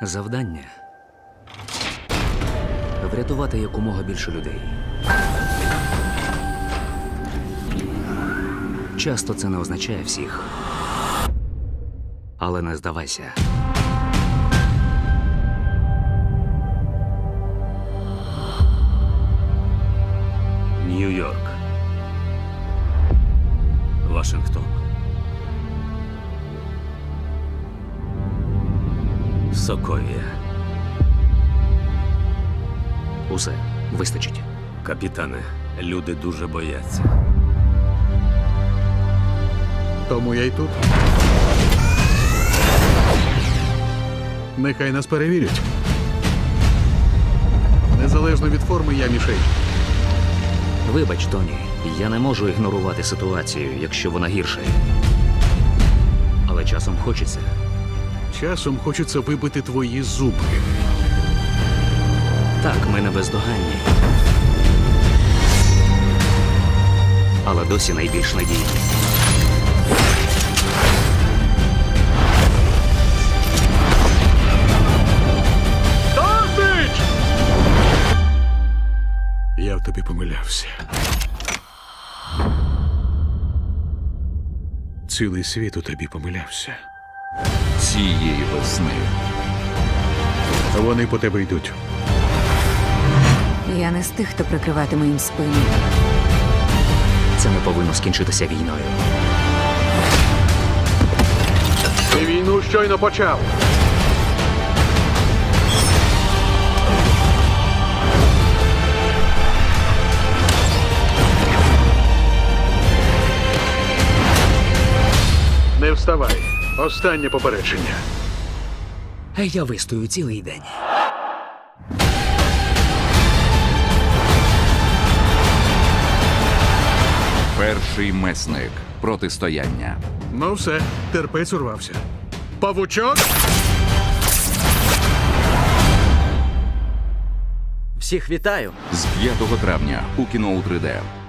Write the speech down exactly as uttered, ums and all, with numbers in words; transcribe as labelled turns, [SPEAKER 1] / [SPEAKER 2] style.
[SPEAKER 1] Завдання – врятувати якомога більше людей. Часто це не означає всіх. Але не здавайся.
[SPEAKER 2] Нью-Йорк. Вашингтон. Соковія.
[SPEAKER 1] Усе вистачить.
[SPEAKER 2] Капітане, люди дуже бояться.
[SPEAKER 3] Тому я й тут. Нехай нас перевірять. Незалежно від форми, я мішень.
[SPEAKER 1] Вибач, Тоні, я не можу ігнорувати ситуацію, якщо вона гірша. Але часом хочеться.
[SPEAKER 3] Часом хочеться вибити твої зубки.
[SPEAKER 1] Так, ми не бездоганні. Але досі найбільш надійні.
[SPEAKER 3] Досить! Я в тобі помилявся. Цілий світ у тобі помилявся.
[SPEAKER 4] Цієї весни.
[SPEAKER 3] Вони по тебе йдуть.
[SPEAKER 5] Я не з тих, хто прикриватиме їм спину.
[SPEAKER 1] Це не повинно скінчитися війною.
[SPEAKER 3] Ти війну щойно почав. Не вставай. Останнє попередження.
[SPEAKER 1] Я вистою цілий день.
[SPEAKER 4] Перший месник. Протистояння.
[SPEAKER 3] Ну все, терпець урвався. Павучок!
[SPEAKER 6] Всіх вітаю!
[SPEAKER 4] З п'ятого травня у кіно у три де.